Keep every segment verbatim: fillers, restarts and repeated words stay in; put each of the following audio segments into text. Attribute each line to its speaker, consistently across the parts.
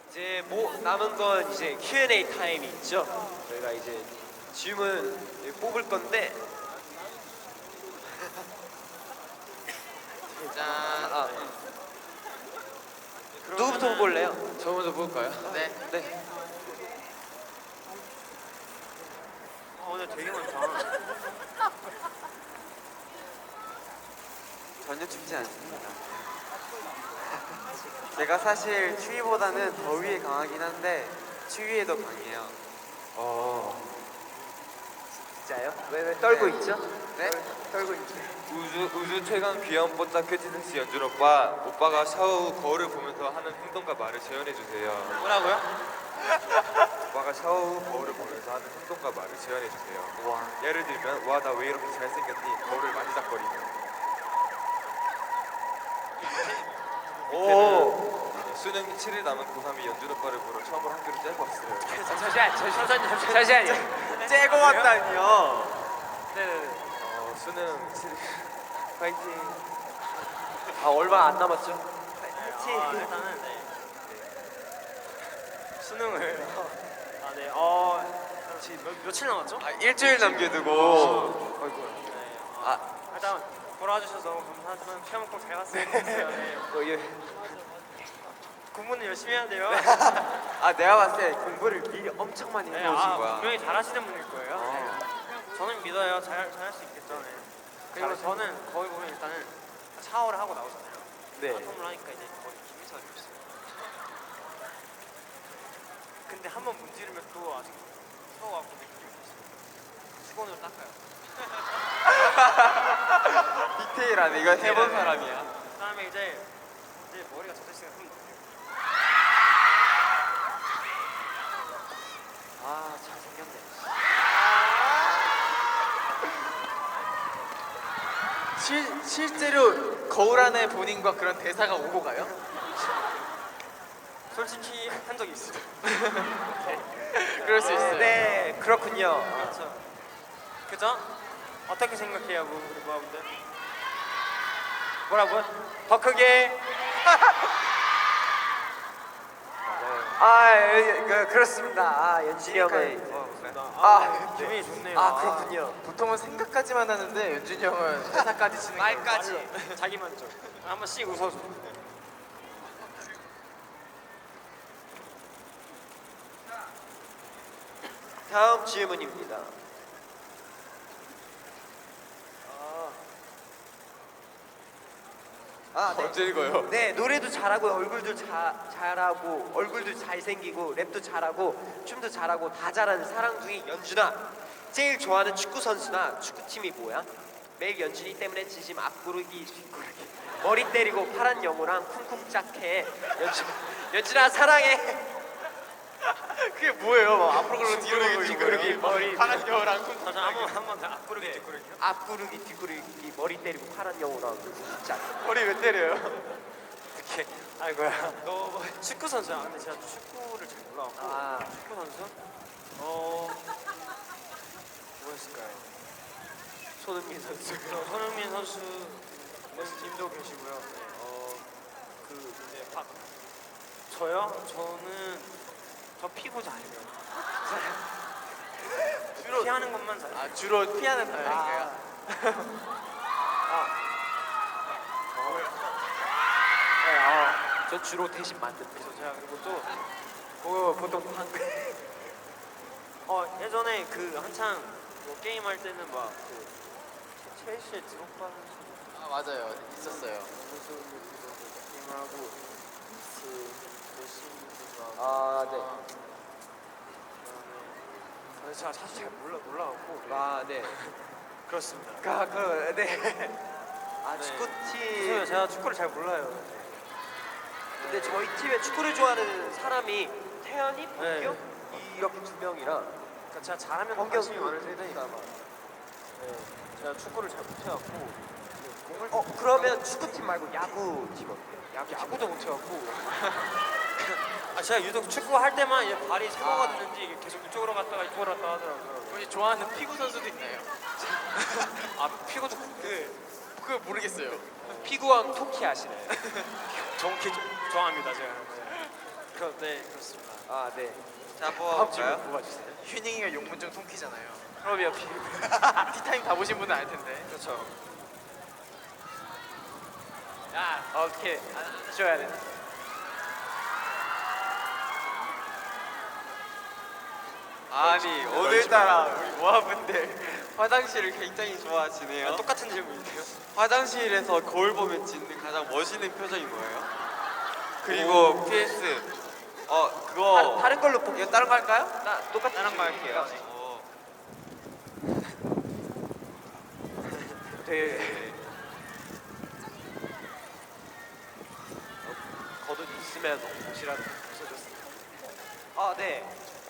Speaker 1: 이제 뭐 남은 건 이제 큐 앤 에이 타임이 있죠. 저희가 이제 질문 뽑을 건데
Speaker 2: 짠.
Speaker 1: 아, 누구부터 볼래요?
Speaker 2: 저 먼저 볼까요? 네.
Speaker 1: 네.
Speaker 3: 어, 오늘 되게 많다.
Speaker 2: 전혀 춥지 않습니다. 제가 사실 추위보다는 더위에 강하긴 한데 추위에 더 강해요.
Speaker 1: 어. 진짜요? 왜 왜 떨고
Speaker 2: 네.
Speaker 1: 있죠?
Speaker 2: 네?
Speaker 1: 떨고 있죠.
Speaker 4: 우주 우주 최강 귀여운 뽀짝 큐티섹스 연준 오빠 오빠가 샤워 후 거울을 보면서 하는 행동과 말을 재현해 주세요.
Speaker 3: 뭐라고요?
Speaker 4: 오빠가 샤워 후 거울을 보면서 하는 행동과 말을 재현해 주세요.
Speaker 1: 와.
Speaker 4: 예를 들면 와 나 왜 이렇게 잘생겼니? 거울을 만지작거리며.
Speaker 1: 오.
Speaker 4: 수능 칠 일 남은 고삼이 연준 오빠를 보러 처음으로 학교를 째고 왔어요.
Speaker 1: 잠시만, 잠시만요, 잠시만요.
Speaker 2: 째고 왔다니요.
Speaker 1: 네네네.
Speaker 4: 어, 수능 칠 일 파이팅.
Speaker 1: 아 얼마 안 남았죠?
Speaker 3: 아,
Speaker 1: 파이팅.
Speaker 3: 일단은 네. 수능을 아 네. 어 지금 몇, 며칠 남았죠?
Speaker 2: 아, 일주일 남겨두고.
Speaker 3: 네. 아,
Speaker 2: 아,
Speaker 3: 일단 보러 와주셔서 너무 감사하지만 시험 꼭 잘 봤으면 좋겠어요. 네.
Speaker 1: 어, 예.
Speaker 3: 공부는 열심히 해야 돼요.
Speaker 2: 아 내가 봤을 때 공부를 미리 엄청 많이
Speaker 3: 네,
Speaker 2: 해놓으신
Speaker 3: 아,
Speaker 2: 거야.
Speaker 3: 분명히 잘하시는 분일 거예요.
Speaker 2: 어.
Speaker 3: 네. 저는 믿어요. 잘 잘할 수 있겠죠. 네. 그리고
Speaker 2: 잘하실
Speaker 3: 저는 거기 보면 일단은 샤워를 하고 나오잖아요.
Speaker 1: 네.
Speaker 3: 바텀을 하니까 이제 거의 김희선이 없어요. 근데 한 번 문지르면 또 아직 추워갖고 느낌이 없어요. 수건으로 닦아요.
Speaker 2: 디테일하네. 이거 해본 사람이야.
Speaker 3: 그다음에 이제 이제 머리가 젖었으니까 한번 넣어요.
Speaker 1: 아 잘생겼네.
Speaker 2: 실 실제로 거울 안에 본인과 그런 대사가 오고 가요?
Speaker 3: 솔직히 한 적이 있어요.
Speaker 2: 그럴 수 있어요.
Speaker 1: 네, 그렇군요.
Speaker 3: 그렇죠. 그죠? 어떻게 생각해요, 뭐, 우리 모아분들? 뭐라고요? 더 크게.
Speaker 1: 아, 예, 그, 그렇습니다. 아, 연진이 형은.
Speaker 3: 아,
Speaker 1: 아,
Speaker 3: 기분이 좋네요.
Speaker 1: 아, 그렇군요.
Speaker 2: 보통은 생각까지만 하는데 연준이 형은 회사까지 치는 거예요.
Speaker 1: 말까지.
Speaker 3: 자기 만족. 한번 씩 웃어줘.
Speaker 1: 다음 질문입니다. 아, 네.
Speaker 2: 언제 읽어요?
Speaker 1: 네, 노래도 잘하고 얼굴도 자, 잘하고 얼굴도 잘생기고 랩도 잘하고 춤도 잘하고 다 잘하는 사랑둥이 연준아. 제일 좋아하는 축구 선수나 축구팀이 뭐야? 매일 연준이 때문에 진심 앞구르기 뒷구르기 머리 때리고 파란 영호랑 쿵쿵 짝해. 연준 연준아 사랑해.
Speaker 2: 그게 뭐예요? 막 앞으로 그러고 뒤로
Speaker 1: 뒷구르기,
Speaker 2: 그러고
Speaker 1: 뒷구르기, 머리
Speaker 2: 파란 겨울랑 쿵.
Speaker 3: 자, 한번 한번 앞구르기 뒷구르기요.
Speaker 1: 앞구르기 뒷구르기 머리 때리고 파란 영호랑 쿵쿵 짝.
Speaker 2: 머리 왜 때려요?
Speaker 3: 이렇게. 아이고야. 너 축구 선수야. 근데 제가 축구를 잘 몰라갖고.
Speaker 1: 아.
Speaker 3: 축구 선수? 어. 뭐였을까요?
Speaker 1: 손흥민 선수.
Speaker 3: 저 손흥민 선수 팀도 계시고요. 네, 어, 그 이제 박 저요? 저는 저 피고 잘해요. 주로 피하는 것만 잘해요.
Speaker 2: 아 주로 피하는 타입인가요?
Speaker 1: 네, 아, 저 주로 대신 만듭니다.
Speaker 3: 그래서 제가 그리고 또
Speaker 1: 어, 보통 방금
Speaker 3: 어, 예전에 그 한창 뭐 게임 할 때는 막그 첼시의 드록바
Speaker 2: 아 맞아요. 있었어요.
Speaker 3: 선수 게임하고 그 메시도
Speaker 1: 아, 네.
Speaker 3: 그다음에 제가 사실 잘 몰라 몰라갖고
Speaker 1: 아, 네.
Speaker 3: 그렇습니다.
Speaker 1: 아, 그, 네. 아,
Speaker 3: 네.
Speaker 1: 축구팀.
Speaker 3: 죄송해요. 제가 축구를 잘 몰라요.
Speaker 1: 근데 저희 팀에 축구를 좋아하는 사람이 태연이, 범경
Speaker 3: 네.
Speaker 1: 이렇게 두 명이라.
Speaker 3: 그러니까 제가 잘하면
Speaker 1: 범경
Speaker 3: 관심이
Speaker 1: 그
Speaker 3: 많을 텐데
Speaker 1: 테니까 아마.
Speaker 3: 네. 제가 축구를 잘 못해갖고 공을
Speaker 1: 어, 그러면 축구팀 말고 야구팀 어때요? 야구
Speaker 3: 야구도 못해갖고 아 제가 유독 축구 할 때만 이제 발이 사고가 됐는지 이게 계속 이쪽으로 갔다가 이쪽으로 갔다 하더라고요.
Speaker 2: 혹시 좋아하는 피구 선수도 있나요?
Speaker 3: 아 피고도 그
Speaker 2: 그거 모르겠어요.
Speaker 1: 피구왕 토키 아시나요?
Speaker 3: 정확히 좀 좋아합니다 제가. 네. 그럼 네 그렇습니다.
Speaker 1: 아 네.
Speaker 4: 자,
Speaker 3: 다음 질문
Speaker 4: 뽑아볼까요?
Speaker 3: 뽑아주세요.
Speaker 2: 휴닝이가 용문증 통키잖아요.
Speaker 3: 그럼요 비밀.
Speaker 2: 티타임 다 보신 분은 알 텐데.
Speaker 3: 그렇죠. 야 어떻게 안 줘야 돼?
Speaker 4: 아니 오늘따라 우리 모아분들 화장실을 굉장히 좋아하시네요.
Speaker 3: 똑같은 질문인데요.
Speaker 4: 화장실에서 거울 보면 짓는 가장 멋있는 표정이 뭐예요? 그리고 피에스 어 그거
Speaker 1: 다, 다른 걸로 뽑.
Speaker 4: 이거 다른 거 할까요?
Speaker 1: 나 똑같은
Speaker 3: 다른 거
Speaker 1: 질문이니까.
Speaker 3: 할게요.
Speaker 4: 어,
Speaker 1: 되게 어, 겉옷 있으면 옷이라도 벗어줬습니다. 아 네.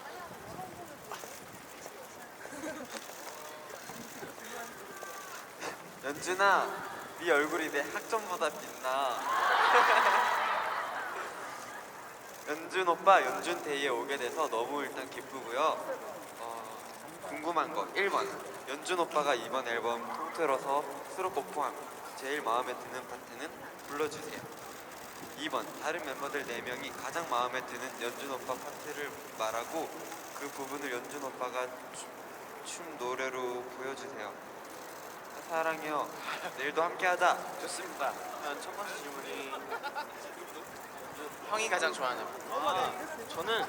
Speaker 4: 연준아, 네 얼굴이 내 학점보다 빛나. 연준 오빠 연준 데이에 오게 돼서 너무 일단 기쁘고요. 어, 궁금한 거 일 번 연준 오빠가 이번 앨범 통틀어서 수록곡 포함 제일 마음에 드는 파트는 불러주세요. 이 번 다른 멤버들 네 명이 가장 마음에 드는 연준 오빠 파트를 말하고 그 부분을 연준 오빠가 춤, 춤 노래로 보여주세요. 사랑해요. 내일도 함께하자.
Speaker 3: 좋습니다. 그러면 첫 번째 질문이
Speaker 2: 형이 가장 좋아하는.
Speaker 3: 아, 저는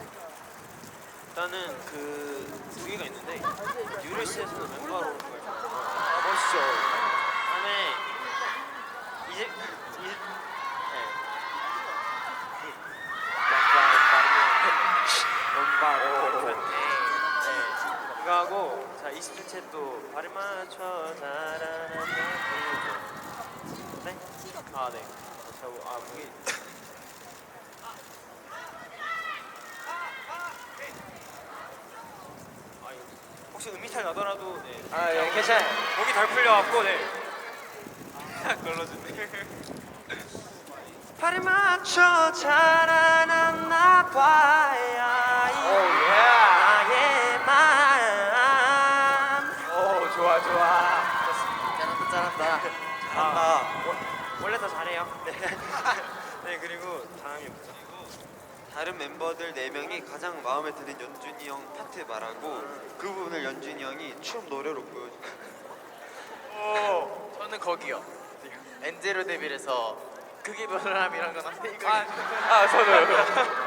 Speaker 3: 일단은 그 두 개가 있는데 뉴리스에서는 멤버로 올 거예요.
Speaker 1: 아 멋있죠.
Speaker 3: 다음에 이제 이제 네.
Speaker 1: 원바로.
Speaker 3: 네. 이거 하고 자 이십칠 채 또 발을 맞춰 자라는 네? 아 네. 저아 목이 아 이거 혹시 음이탈 나더라도 네.
Speaker 1: 아 예, 괜찮아요.
Speaker 3: 목이 덜 풀려갖고 네. 아 걸러준네.
Speaker 1: 발을 맞춰 자라났나 봐야
Speaker 3: 오,
Speaker 1: 이
Speaker 3: 예.
Speaker 1: 나의 맘.
Speaker 3: 오 좋아 좋아.
Speaker 2: 잘한다 잘한다.
Speaker 3: 아, 원- 원래 더 잘해요. 네. 네 그리고 다음이 뭐죠?
Speaker 4: 다른 멤버들 네 명이 가장 마음에 드는 연준이 형 파트 말하고 그 부분을 연준이 형이 춤 노래로 보여줘요.
Speaker 2: 오. 저는 거기요. 엔제로 데뷔해서 그게 변함이란 건 한데 이거.
Speaker 3: 아,
Speaker 2: 아 저도요.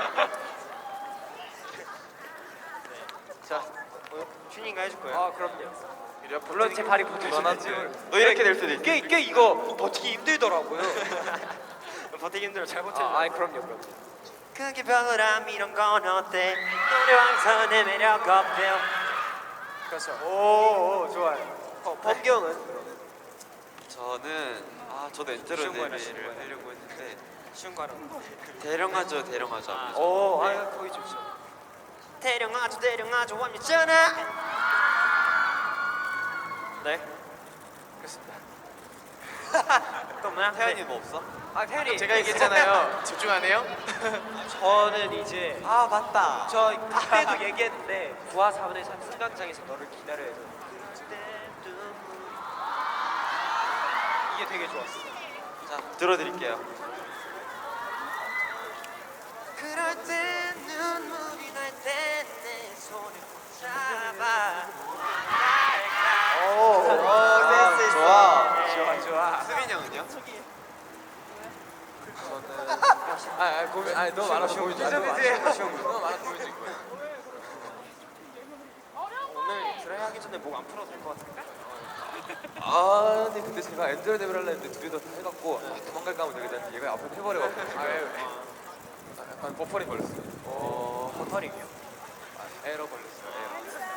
Speaker 3: 자, 어, 튜닝가 해줄 거예요.
Speaker 1: 아 그럼요.
Speaker 2: 이래
Speaker 1: 물론 제 발이 붙어있는
Speaker 4: 넌하지. 너 이렇게 될 수도 있어.
Speaker 1: 꽤, 꽤 이거 버티기 힘들더라고요.
Speaker 3: 버티기 힘들어 잘 버텨.
Speaker 1: 아, 아이 그럼요 그럼요. 그게 변함 이런 건 어때? 노래왕선의 매력 어때요?
Speaker 3: 그렇죠.
Speaker 1: 오, 오 좋아요. 어, 범경은?
Speaker 4: 저는 아 저도 엔트로
Speaker 3: 쉬운 거야, 쉬운
Speaker 4: 데뷔를
Speaker 3: 거야.
Speaker 4: 하려고 했는데
Speaker 3: 쉬운 거 하나.
Speaker 4: 대령하죠 대령하죠.
Speaker 3: 아,
Speaker 1: 오, 아 거기 좋죠. 대령아주 대령아주 완미잖아.
Speaker 3: 네. 그렇습니다. 또 뭐야?
Speaker 4: 태연이 뭐 없어?
Speaker 1: 아 태연이
Speaker 2: 제가 얘기했잖아요. 집중 안 해요?
Speaker 1: 저는 이제
Speaker 4: 아 맞다.
Speaker 1: 저 그때도 얘기했는데 구화 사분의 삼 승강장에서 너를 기다려야 돼. 이게 되게 좋았어.
Speaker 4: 자 들어드릴게요.
Speaker 1: 그럴 때 눈물이 날 때 내 손을 잡아. 오,
Speaker 4: 아, 좋아.
Speaker 1: 좋아 좋아.
Speaker 4: 수빈이 형은요?
Speaker 2: 아, 아 고민. 아 너무 많아서 보여줘.
Speaker 1: 쉬운 거, 쉬운 거, 쉬운
Speaker 2: 너무 많아서 보여줄 거야.
Speaker 3: 오늘 드라이 하기 전에 목 안 풀어도 될 것 같은데?
Speaker 5: 아 근데 근데 제가 엔젤 데뷔를 하려 했는데 두 개 다 해갖고 아, 도망갈까 하면 되게 됐는데 얘가 앞으로 해버려가지고
Speaker 2: 아, 예.
Speaker 5: 아, 약간 버퍼링 걸렸어요.
Speaker 3: 어, 버터링이요.
Speaker 5: 아, 에러 걸렸어요. 에러.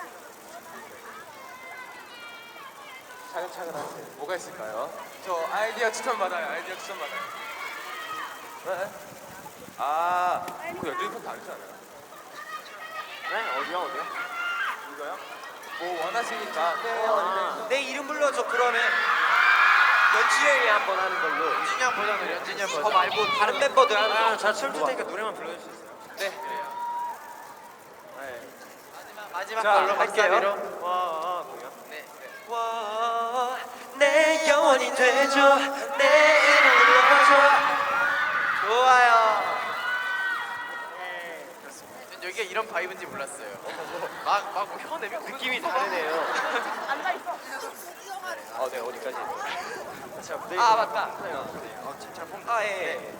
Speaker 1: 차근차근 하세요.
Speaker 5: 뭐가 있을까요? 저 아이디어 추천 받아요. 아이디어 추천 받아요. 네? 아, 그 연준이 편 다르지 않아요?
Speaker 3: 네? 어디야 어디야?
Speaker 5: 이거요? 뭐 원하시니까 네, 어,
Speaker 1: 내 이름 불러줘 그러면 연준이 한번 하는 걸로.
Speaker 2: 연진이 형 버전으로 연진이 형
Speaker 1: 저
Speaker 2: 버전.
Speaker 1: 말고 다른 멤버들 하는 거.
Speaker 3: 아, 자 춤출 테니까 노래만 불러줄 수 있어요?
Speaker 2: 네.
Speaker 3: 네.
Speaker 2: 마지막
Speaker 1: 자,
Speaker 2: 걸로
Speaker 1: 할게요.
Speaker 2: 박사비로.
Speaker 3: 와, 아, 뭐야?
Speaker 2: 네.
Speaker 1: 와, 내 영원이 되줘 내 이름 불러줘. 좋아요.
Speaker 2: 여기가 이런 바이브인지 몰랐어요. 막막 혀내면
Speaker 1: 느낌이 다르네요. 어, 네, 어디까지? 자, 무대 아, 맞다. 네, 어, 진짜 폼. 아, 예. 예.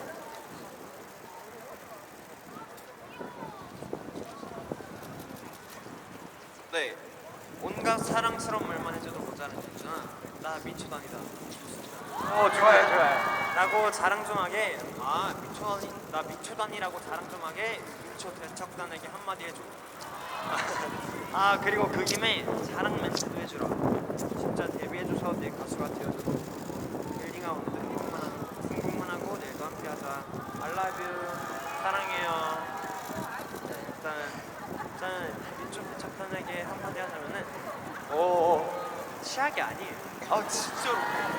Speaker 3: 네. 온갖 사랑스러운 말만 해줘도 모자란 연준아. 나 민초단이다.
Speaker 1: 어, 좋아요, 좋아요.
Speaker 3: 라고 자랑 좀 하게. 아 민초단이 나 민초단이라고 자랑 좀 하게. 민초 대척단에게 한마디 해줘. 아 그리고 그 김에 자랑 멘트도 해주라. 진짜 데뷔해줘서 내 가수가 되어줘. 빌딩아웃 궁금만 궁금만 하고 내일도 함께하자. I love you. 사랑해요. 네, 일단 일단 민초 대척단에게 한마디 하자면은
Speaker 1: 오,
Speaker 3: 치약이 아니에요.
Speaker 1: 아, 진짜로.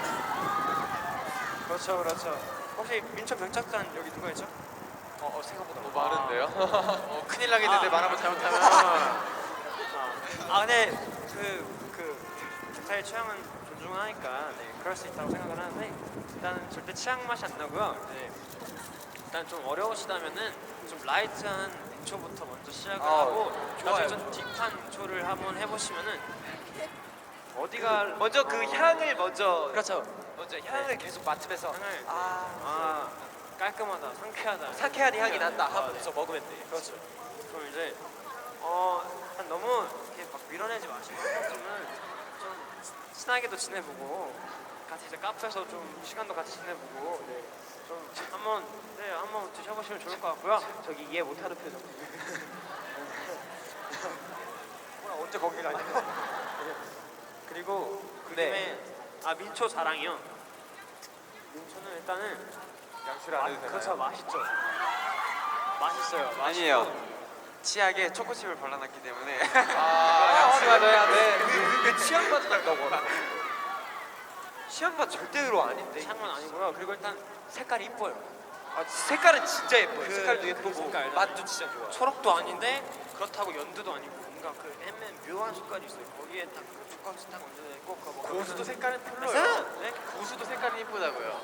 Speaker 3: 그렇죠, 그렇죠. 혹시 민초 병착단 여기 누가 있죠?
Speaker 1: 어, 어 생각보다.
Speaker 5: 너무 많은데요?
Speaker 2: 어, 큰일 나겠는데
Speaker 3: 아.
Speaker 2: 말하면 잘못하면.
Speaker 3: 아, 아 근데 그, 그 객사의 취향은 존중하니까 네, 그럴 수 있다고 생각을 하는데 일단은 절대 취향 맛이 안 나고요. 네, 일단 좀 어려우시다면은 좀 라이트한 인초부터 먼저 시작을
Speaker 1: 아,
Speaker 3: 하고
Speaker 1: 좋아요.
Speaker 3: 나중에 좀 딥한 인초를 한번 해보시면은 어디가
Speaker 1: 먼저 그 향을 먼저.
Speaker 3: 그렇죠.
Speaker 1: 먼저 향을 계속 맡으면서.
Speaker 3: 향을
Speaker 1: 아,
Speaker 3: 아 깔끔하다, 상쾌하다.
Speaker 1: 상쾌한 향이 난다
Speaker 3: 아, 네.
Speaker 1: 하면서 먹으면 돼.
Speaker 3: 그렇죠. 그럼 이제 어 일단 너무 이렇게 막 밀어내지 마시고 한 번쯤은 좀 친하게도 지내보고 같이 이제 카페에서 좀 시간도 같이 지내보고 네. 좀 한번 네 한번 드셔보시면 좋을 것 같고요.
Speaker 1: 저기 이해 못하는 표정.
Speaker 3: 뭐야 언제 거기 가냐? 그리고 그
Speaker 1: 네.
Speaker 3: 김에 아 민초 자랑이요. 민초는 일단은
Speaker 5: 양치를 안 해도
Speaker 3: 맛-
Speaker 5: 되나요?
Speaker 3: 그렇죠 맛있죠. 맛있어요. 맛있고.
Speaker 4: 아니에요. 치약에 초코칩을 발라놨기 때문에
Speaker 2: 아, 양치 맞아야 돼.
Speaker 1: 왜 취향 맛 난다고? 취향 맛 절대로 아닌데.
Speaker 3: 향은 아니고요. 그리고 일단 색깔이 이뻐요.
Speaker 1: 아, 색깔은 진짜 예뻐요.
Speaker 3: 그-
Speaker 1: 색깔도
Speaker 3: 그
Speaker 1: 예쁘고
Speaker 3: 색깔.
Speaker 1: 맛도 진짜 좋아.
Speaker 3: 초록도 아닌데 그렇다고 연두도 아니고 뭔가 그 애매한 묘한 색깔이 있어요. 거기에 딱그 초코치 딱 얹어져 있고 그거 먹으면
Speaker 2: 고수도 색깔은
Speaker 3: 맞아요.
Speaker 2: 별로예요.
Speaker 3: 네?
Speaker 2: 고수도 색깔이 이쁘다고요.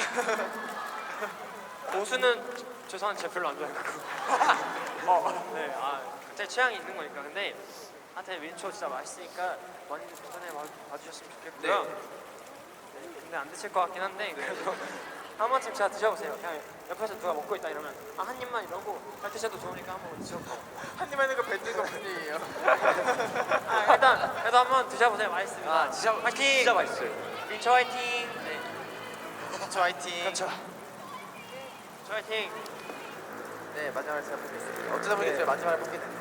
Speaker 3: 고수는 저- 죄송한데 제가 별로 안 좋아해가지고. 어, 네, 아 각자의 취향이 있는 거니까. 근데 하여튼 민초 진짜 맛있으니까 많이 도전해 봐- 봐주셨으면 좋겠고요. 네, 근데 안 드실 것 같긴 한데 그래도 한 번쯤 제가 드셔보세요. 그냥 옆에서 누가 먹고 있다 이러면 아 한 입만 이러고 잘 드셔도 좋으니까 한 번 드셔보세요.
Speaker 2: 한 입 하는 거 뱉는 거 뿐이에요.
Speaker 3: 아, 일단 그래도 한번 드셔보세요. 맛있습니다.
Speaker 1: 아, 진짜
Speaker 3: 화이팅!
Speaker 1: 진짜 맛있어요.
Speaker 3: 민초 화이팅! 네,
Speaker 2: 저 화이팅.
Speaker 1: 그렇죠.
Speaker 3: 저 화이팅!
Speaker 2: 네, 마지막에 제가 뽑겠습니다. 어쩌다 보니
Speaker 1: 네.
Speaker 2: 제가 마지막에 뽑게 됐네요.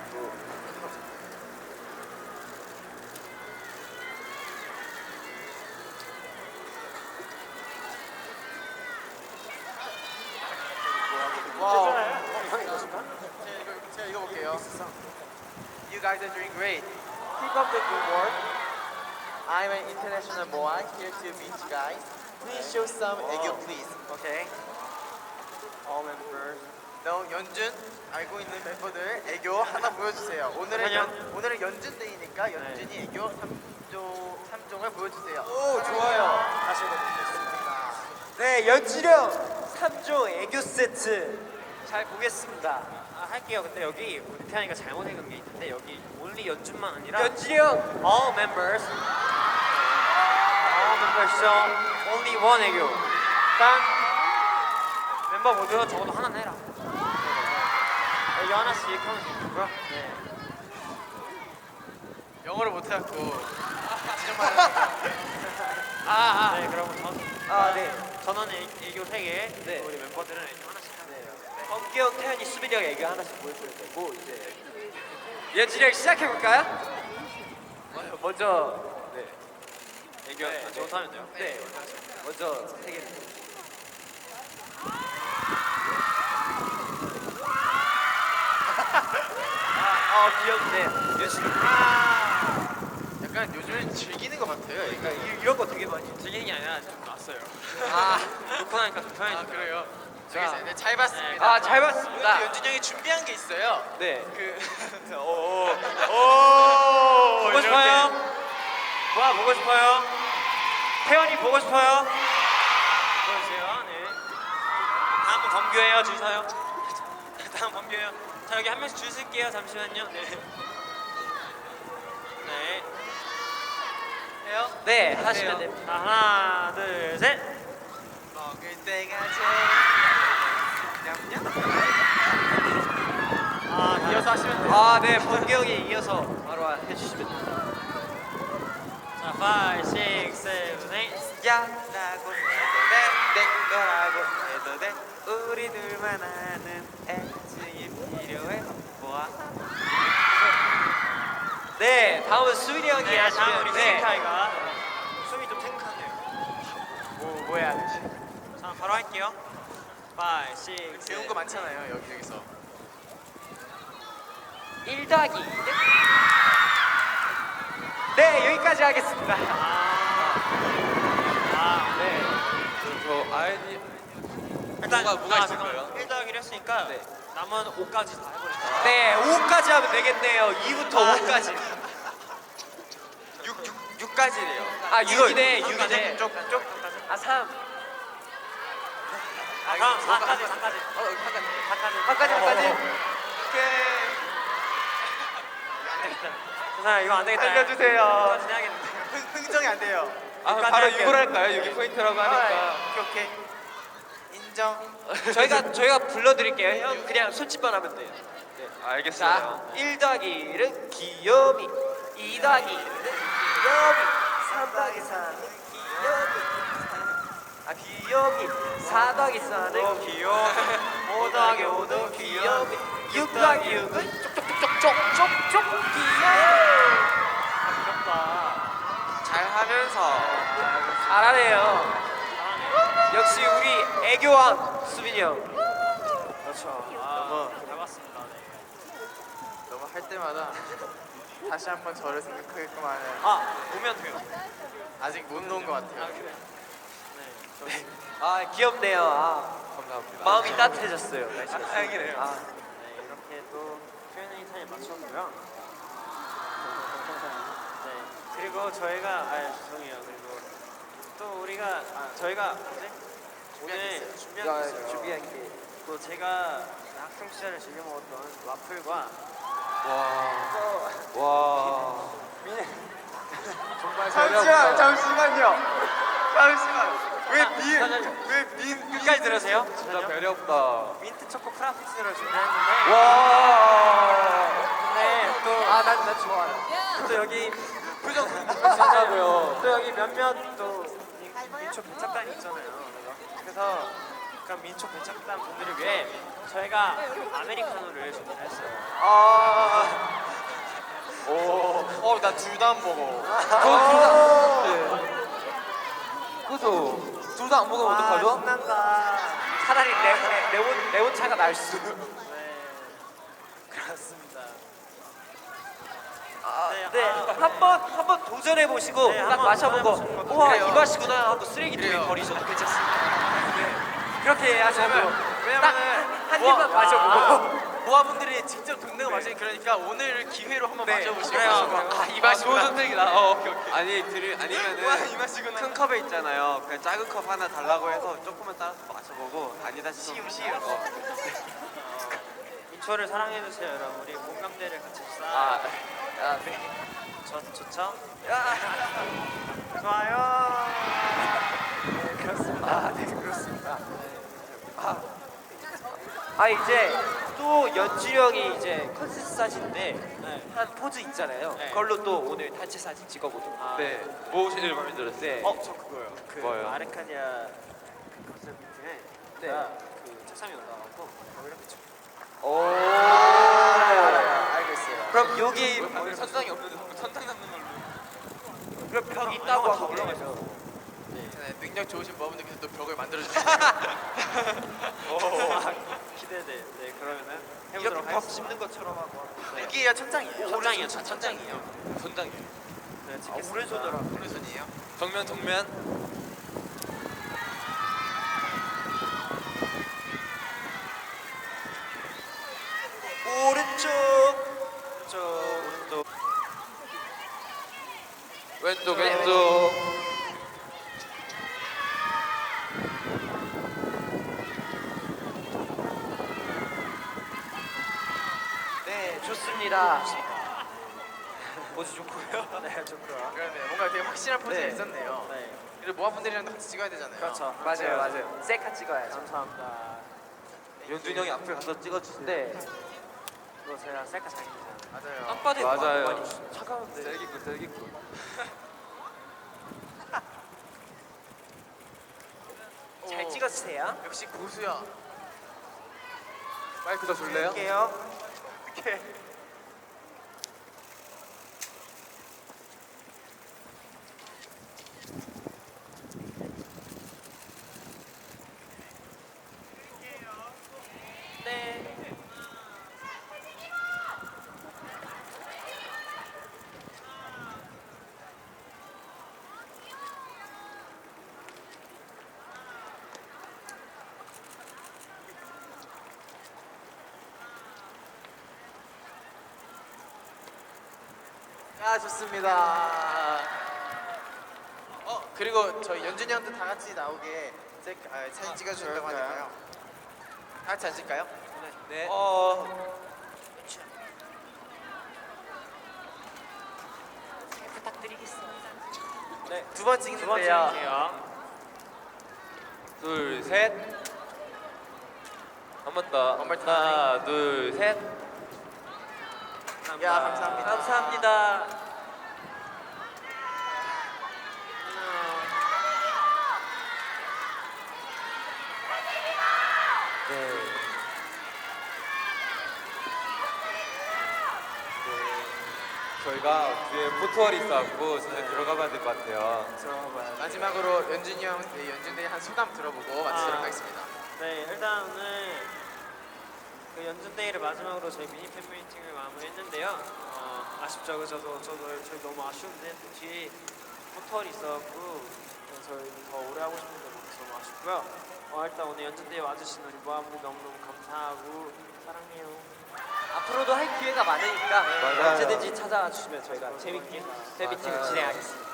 Speaker 2: 와우.
Speaker 3: 형이 이것인가?
Speaker 2: 제가 이거 제가 읽어볼게요. You guys are doing great. Keep up the good work. I'm an international boy here to meet you guys. Please show some 애교, please.
Speaker 3: 오케이. All members.
Speaker 2: 너 연준 알고 있는 멤버들 애교 하나 보여주세요. 오늘은
Speaker 3: 아니요.
Speaker 2: 연, 오늘은 연준 데이니까 연준이 애교 삼조 삼종을 보여주세요.
Speaker 1: 오, 좋아요.
Speaker 3: 다시 읽어보겠습니다.
Speaker 1: 네, 연지령 삼 종 애교 세트 잘 보겠습니다.
Speaker 3: 아, 할게요. 근데 여기 우리 태양이가 잘못 읽은 게 있는데 여기 only 연준만 아니라
Speaker 1: 연지령
Speaker 3: all members. all members show only one 애교. 일단 멤버 모두 적어도 하나 내라. 네. 애교 하나씩 하면 되고요. 네.
Speaker 2: 영어를 못해갖고
Speaker 3: 아, 아. 네, 그러면 전
Speaker 1: 아, 네.
Speaker 3: 전원의 애- 애교 세 개.
Speaker 1: 네.
Speaker 3: 우리 멤버들은 애교 하나씩 하면 돼요. 네.
Speaker 1: 범규형, 태연이, 수빈이 형 애교 하나씩 보여줘야 되고 이제 연지령 시작해 볼까요? 먼저 네,
Speaker 3: 애교
Speaker 1: 네,
Speaker 3: 아, 저부터 하면 돼요.
Speaker 1: 네, 먼저 세 개를. 아, 어, 귀엽네. 연지령.
Speaker 2: 약간 요즘엔 즐기는 것 같아요.
Speaker 1: 그러니까 이- 이런 거 되게 많이.
Speaker 3: 즐기는 게 아니라 좀 낯서요.
Speaker 1: 아,
Speaker 3: 놓고 나니까 좀 편해지더라고요.
Speaker 2: 아 그래요?
Speaker 1: 자.
Speaker 2: 알겠어요. 네, 잘 봤습니다.
Speaker 1: 아, 잘
Speaker 2: 오늘
Speaker 1: 봤습니다.
Speaker 2: 또 연준 형이 준비한 게 있어요.
Speaker 1: 네.
Speaker 2: 그
Speaker 1: 오,
Speaker 3: 보고 싶어요? 와 보고 싶어요? 태연이 보고 싶어요? 보여주세요. 네. 다음은 범규예요. 줄 서요. 다음 범규예요. 자 자 여기 한 명씩 줄 쓸게요. 잠시만요. 네. 네. 해요?
Speaker 1: 네, 하시면 됩니다.
Speaker 3: 자 하나 둘 셋.
Speaker 2: 먹을 때가 제일 냠냠.
Speaker 3: 아
Speaker 2: 이어서 하시면 돼요.
Speaker 1: 아, 네, 번개 형이 이어서 바로 해주시면 됩니다.
Speaker 3: 자 five, six, seven, eight.
Speaker 4: 야라고 해도 돼내 거라고 해도 돼 우리 둘만 아는 애증이 필요해 뭐야
Speaker 1: 네, 다음은 수빈이 형이
Speaker 3: 네, 다음
Speaker 1: 하시면
Speaker 3: 우리
Speaker 1: 네.
Speaker 3: 스카이가 숨이 좀 탱크하네요.
Speaker 2: 뭐, 뭐 해야 되지?
Speaker 3: 자 바로 할게요. five, six,
Speaker 2: 배운 거 많잖아요, 여기저기서.
Speaker 1: 일 더하기 이. 네, 여기까지 하겠습니다.
Speaker 3: 아,
Speaker 1: 네.
Speaker 5: 저 아이디
Speaker 3: 일단
Speaker 5: 뭐가- 뭐가
Speaker 3: 아,
Speaker 5: 있을
Speaker 3: 잠깐만.
Speaker 5: 거예요?
Speaker 3: 일 더하기를 했으니까
Speaker 1: 네.
Speaker 3: 남은 오까지 다 해버릴게요.
Speaker 1: 네, 오까지 하면 되겠네요. 이부터 오까지.
Speaker 4: 육, 육, 육까지래요
Speaker 1: 아, 육이네, 육이네.
Speaker 3: 쪽, 쪽.
Speaker 1: 아, 삼.
Speaker 3: 아, 다음 사까지, 사까지.
Speaker 2: 어, 여기 잠깐.
Speaker 3: 사까지.
Speaker 1: 사까지, 사까지.
Speaker 3: 오케이. 자, 이거 안 되겠다.
Speaker 1: 알려주세요.
Speaker 3: 이거 해야겠는데.
Speaker 2: 흥, 흥정이 안 돼요.
Speaker 5: 아
Speaker 3: 육까지
Speaker 5: 바로
Speaker 3: 할게요.
Speaker 5: 육을 할까요? 육이 포인트라고 하니까.
Speaker 2: 오케이, 오케이. 인정.
Speaker 1: 저희가 저희가 불러드릴게요. 형 그냥 손짓만 하면 돼요. 자,
Speaker 5: 알겠어요.
Speaker 1: 일 더하기 일은 귀요미, 이 더하기 일은 귀요미, 삼 더하기 삼은 귀요미, 아 귀요미, 사 더하기 사는 귀요미, 오 더하기 오도 귀요미, 육 더하기 육은 쪽쪽쪽쪽쪽쪽 귀요미.
Speaker 3: 부럽다.
Speaker 4: 잘하면서
Speaker 1: 잘하네요.
Speaker 3: 잘하네.
Speaker 1: 역시 우리 애교왕 수빈이 형.
Speaker 3: 그렇죠. 아, 잘 봤습니다. 네.
Speaker 2: 너무 할 때마다 다시 한번 저를 생각하게끔 하는
Speaker 3: 아, 보면 돼요.
Speaker 2: 아직 못 놓은 것
Speaker 3: 아,
Speaker 2: 같아요.
Speaker 3: 그래. 네.
Speaker 1: 아 귀엽네요. 아,
Speaker 5: 감사합니다.
Speaker 1: 마음이 따뜻해졌어요. 날씨가.
Speaker 5: 아, 다행이네요.
Speaker 1: 아,
Speaker 3: 네, 이렇게 또 Q&A 타임 마쳤고요. 네, 그리고 저희가 아 죄송해요. 그리고 또 우리가 아, 저희가 뭐지? 오늘 준비한 게 있어요.
Speaker 1: 준비한 게.
Speaker 3: 또 제가 학창 시절에 즐겨 먹었던 와플과
Speaker 5: 와. 와. 정말
Speaker 2: 잠시만, 잠시만요. 잠시만. 왜 민,
Speaker 3: 잠시만요.
Speaker 2: 왜 민,
Speaker 3: 끝까지 들으세요.
Speaker 5: 진짜 배려 없다.
Speaker 3: 민트 초코 프라푸치노를 준비했는데
Speaker 5: 와.
Speaker 3: 근데 또
Speaker 2: 아, 난, 난 좋아요.
Speaker 3: 또 여기
Speaker 2: 표정.
Speaker 5: 진짜고요.
Speaker 3: 또 여기 몇몇 또 민- 민초 배착단이 있잖아요. 그래서 그런 민초 배착단 분들을 위해 저희가 아메리카노를 준비했어요.
Speaker 2: 아,
Speaker 5: 오.
Speaker 2: 어, 나 둘 다 안 먹어.
Speaker 5: 그죠? 둘 다 안 먹으면
Speaker 3: 아,
Speaker 5: 어떡하죠?
Speaker 3: 신난다.
Speaker 1: 차라리 레, 레몬 레몬차가 날 수.
Speaker 3: 네, 그렇습니다. 네,
Speaker 1: 네,
Speaker 3: 아,
Speaker 1: 한번 한번 도전해 보시고
Speaker 3: 네,
Speaker 1: 딱
Speaker 3: 한번
Speaker 1: 마셔보고
Speaker 3: 도전해 보시는 것도
Speaker 1: 우와
Speaker 2: 그래요.
Speaker 1: 이 맛이구나 하고 쓰레기통에
Speaker 2: 그래요.
Speaker 1: 버리셔도 괜찮습니다. 네, 그렇게 하셔도
Speaker 2: 왜냐면은
Speaker 1: 딱한
Speaker 2: 모아-
Speaker 1: 입만 마셔보고.
Speaker 2: 모아분들이 직접 돈 내고 마시니 그러니까 오늘 기회로 한번
Speaker 1: 네.
Speaker 2: 마셔보시고.
Speaker 1: 그래요.
Speaker 2: 아, 이
Speaker 5: 아,
Speaker 2: 맛이구나.
Speaker 5: 좋은 선택이다. 어, 오케이, 오케이.
Speaker 4: 아니 드리
Speaker 2: 와, 이
Speaker 4: 아니면은
Speaker 2: 맛이구나.
Speaker 4: 큰 컵에 있잖아요 그냥 작은 컵 하나 달라고 해서 조금만 따라서 마셔보고 아니다 싶으면
Speaker 2: 시음, 시음.
Speaker 4: 어.
Speaker 3: 민초를 사랑해주세요, 여러분. 우리 공감대를 같이 쌓아.
Speaker 1: 아, 아 네.
Speaker 3: 저, 좋죠? 좋아요.
Speaker 1: 네, 그렇습니다. 아, 네, 그렇습니다. 아, 아 이제 또 연준이 형이 이제 컨셉 사진인데
Speaker 3: 네.
Speaker 1: 한 포즈 있잖아요.
Speaker 3: 네.
Speaker 1: 그걸로 또 오늘 단체 사진 찍어보도록.
Speaker 3: 아,
Speaker 5: 네. 뭐 제일 마음에 들었어요?
Speaker 1: 네.
Speaker 3: 어, 저 그거요. 그
Speaker 5: 뭐요?
Speaker 3: 아르카디아 그 컨셉 미팅에
Speaker 1: 네.
Speaker 3: 제가 그 책상에 올라가고 이렇게 쳐.
Speaker 1: 오.
Speaker 2: 알겠어요.
Speaker 1: 그럼 여기
Speaker 5: 오늘 천장이 없는데 자꾸 천장 잡는 걸로.
Speaker 1: 그럼 벽 있다고
Speaker 3: 다
Speaker 1: 하고
Speaker 3: 올라가죠.
Speaker 2: 네, 능력 좋으신 분들께서 또 벽을 만들어주세요.
Speaker 3: 기대돼. 네, 그러면은
Speaker 1: 이렇게
Speaker 3: 해보도록
Speaker 1: 벽
Speaker 3: 하겠습니다.
Speaker 1: 짚는 것처럼 하고.
Speaker 2: 여기가 천장이에요.
Speaker 3: 천장이요, 천- 천장이에요.
Speaker 5: 천장이.
Speaker 3: 네,
Speaker 1: 아,
Speaker 3: 찍겠습니다.
Speaker 1: 오른손으로.
Speaker 2: 오른손이에요.
Speaker 5: 정면 정면.
Speaker 1: 오른쪽.
Speaker 3: 오른쪽, 오른쪽.
Speaker 5: 왼쪽 왼쪽.
Speaker 1: 좋습니다.
Speaker 3: 포즈 좋고요. 네, 좋고요.
Speaker 2: 그러네. 뭔가 되게 확실한 포즈가
Speaker 1: 네.
Speaker 2: 있었네요.
Speaker 3: 네,
Speaker 2: 그리고 모아분들이랑도 같이 찍어야 되잖아요.
Speaker 3: 그렇죠.
Speaker 1: 맞아요, 맞아요. 셀카 찍어야죠.
Speaker 3: 감사합니다.
Speaker 5: 연준이 형이 앞에 가서 찍어주세요.
Speaker 1: 네.
Speaker 3: 이거 제가 셀카 잘 찍잖아요.
Speaker 2: 맞아요.
Speaker 3: 땅바닥에
Speaker 5: 맞아요.
Speaker 3: 많이 주시죠.
Speaker 1: 차가운데.
Speaker 5: 셀기꾼 셀기꾼.
Speaker 1: 잘
Speaker 2: 오.
Speaker 1: 찍어주세요.
Speaker 2: 역시 고수야.
Speaker 5: 마이크 더 줄래요?
Speaker 1: 할게요.
Speaker 2: 이렇게.
Speaker 1: 네.
Speaker 2: 아 좋습니다. 어 그리고 저희 연준이 형도 다 같이 나오게 셀, 아, 사진 찍어준다고
Speaker 5: 그럴까요?
Speaker 2: 하니까요. 다 같이 앉을까요?
Speaker 5: 네.
Speaker 1: 어.
Speaker 2: 네. 두 번
Speaker 3: 두 번째
Speaker 2: 찍는데요.
Speaker 3: 할게요.
Speaker 5: 둘 셋. 한 번 더.
Speaker 2: One more time.
Speaker 5: 하나 둘 셋.
Speaker 2: 야 감사합니다.
Speaker 1: 감사합니다. 네.
Speaker 5: 저희가 뒤에 포토월이 있어갖고 저희 들어가 봐야 될 것 같아요.
Speaker 2: 마지막으로 연준이 형, 네, 연준이 한 소감 들어보고 마치도록
Speaker 3: 아.
Speaker 2: 하겠습니다.
Speaker 3: 네, 일단 오늘 그 연준데이를 마지막으로 저희 미니 팬 미팅을 마무리했는데요. 어, 아쉽죠, 그죠? 저도 저도 저희 너무 아쉬운데 또 뒤에 포털이 있어갖고 저희 더 오래 하고 싶은데 너무 아쉽고요. 어, 일단 오늘 연준데이 와주신 우리 모아분들 너무너무 감사하고 사랑해요.
Speaker 1: 앞으로도 할 기회가 많으니까
Speaker 5: 맞아요.
Speaker 1: 언제든지 찾아와 주시면 저희가 재밌게 팬미팅을
Speaker 5: 맞아요.
Speaker 1: 진행하겠습니다.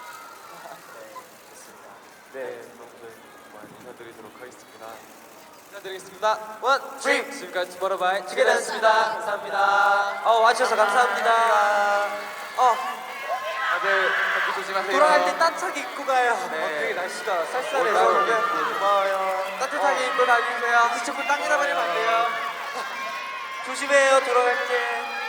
Speaker 5: 네, 여러분들 많이 인사드리도록 하겠습니다. 인사드리겠습니다. 원,
Speaker 1: 쓰리.
Speaker 5: 쓰리. 지금까지 투모로우바이
Speaker 1: 주게되었습니다. 감사합니다. 어 와주셔서 감사합니다. 어
Speaker 5: 다들 감기 조심하세요.
Speaker 1: 돌아갈 때 따뜻하게 입고 가요.
Speaker 5: 네.
Speaker 1: 어, 되게 날씨가
Speaker 5: 오,
Speaker 1: 쌀쌀해서
Speaker 5: 따뜻하게
Speaker 1: 고마워요.
Speaker 2: 따뜻하게
Speaker 1: 어.
Speaker 2: 입고 다니세요. 자꾸 땀이나 버리면 안 돼요.
Speaker 1: 조심해요 돌아갈 때.